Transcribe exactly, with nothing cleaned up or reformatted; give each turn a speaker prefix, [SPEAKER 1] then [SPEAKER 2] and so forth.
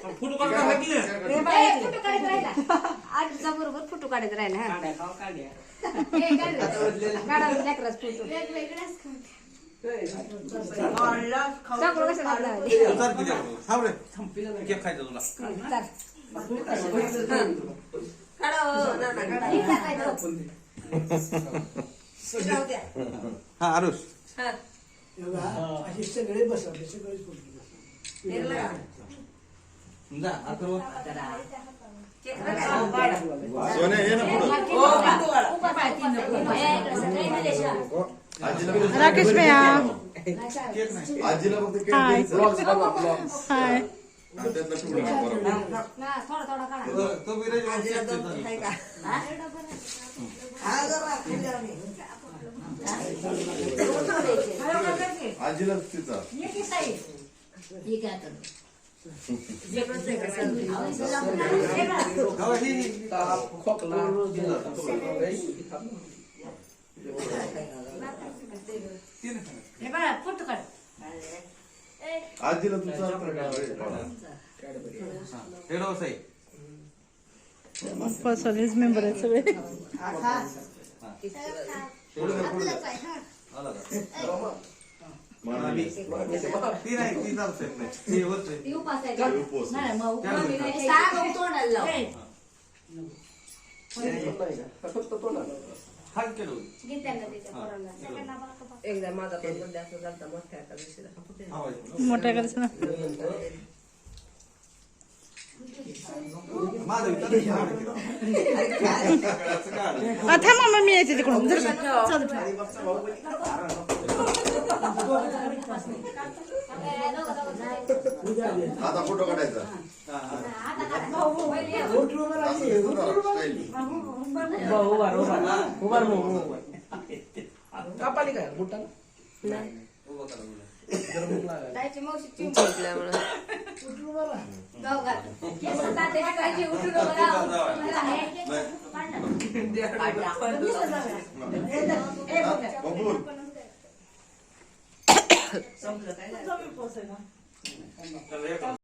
[SPEAKER 1] फोटो काढता का की
[SPEAKER 2] ए बाई फोटो काढत राहिला आजचा बरोबर फोटो काढत राहिला हा
[SPEAKER 1] काढ्या खाऊ काढ्या
[SPEAKER 2] ए काढा लेकराच फोटो
[SPEAKER 3] वेगवेगळाच
[SPEAKER 2] सगळं कसं घातलं
[SPEAKER 1] उतार किती थांब रे थांब केक खायचा तुला
[SPEAKER 2] चल
[SPEAKER 4] काढा हो ना ना काढा
[SPEAKER 1] हा आरुष
[SPEAKER 4] हा
[SPEAKER 5] असे सगळे बसवले सगळे
[SPEAKER 4] निघला
[SPEAKER 1] जा अथर्व
[SPEAKER 4] केक काढा
[SPEAKER 6] सोने ये ना पुढं.
[SPEAKER 4] ओ बिंदू काढा
[SPEAKER 2] उभा पाय तीन नको
[SPEAKER 4] ए सगळे मलेशिया
[SPEAKER 6] आजीला
[SPEAKER 7] राकेश भैया
[SPEAKER 1] केक नाही
[SPEAKER 6] आजीला फक्त केक
[SPEAKER 7] हाय.
[SPEAKER 6] द्यायचा.
[SPEAKER 7] हाय
[SPEAKER 6] हा, त्यातला पिवळा बरोबर.
[SPEAKER 2] ना थोडा थोडा काढा
[SPEAKER 1] तो- तो विराज
[SPEAKER 4] आजीला दोन आहे का हा जरा खाली आम्ही
[SPEAKER 6] आजीला तिचा
[SPEAKER 2] हे काय कर
[SPEAKER 1] गावा ही ही. तीन खाणार.
[SPEAKER 2] हे बघा फोटो काढ
[SPEAKER 6] आजीला तुझा
[SPEAKER 1] हे डोस आहे
[SPEAKER 7] पर्सनलीज मेंबर आहेत सगळे
[SPEAKER 1] आला का मामी ती नाही ती जाऊ शकत नाही ती होते
[SPEAKER 2] ती उपास आहे का
[SPEAKER 6] उपवास.
[SPEAKER 2] नाही मग
[SPEAKER 1] त्याला
[SPEAKER 2] मम्मी
[SPEAKER 1] देतात.
[SPEAKER 2] नाही
[SPEAKER 4] साग तोंडाला लाव
[SPEAKER 1] हात केलो
[SPEAKER 2] घे त्यांना त्याच्या पोराला
[SPEAKER 4] एकदा माझा पण बर्थडे असं झालता मोठ्या एका दिवशीला
[SPEAKER 7] मोठ्या करायचं ना
[SPEAKER 1] माझं विचार
[SPEAKER 7] आता मम्मा मी यायचे तिकडून जर चल
[SPEAKER 6] आता फोटो काढायचा
[SPEAKER 5] कापाली काय मोठा
[SPEAKER 2] जायची मावशी चिंच
[SPEAKER 4] जिंकल्या म्हणून
[SPEAKER 2] गाव घाल केस तात्याची काळजी उठू नको
[SPEAKER 6] बबूल
[SPEAKER 4] संपलं काय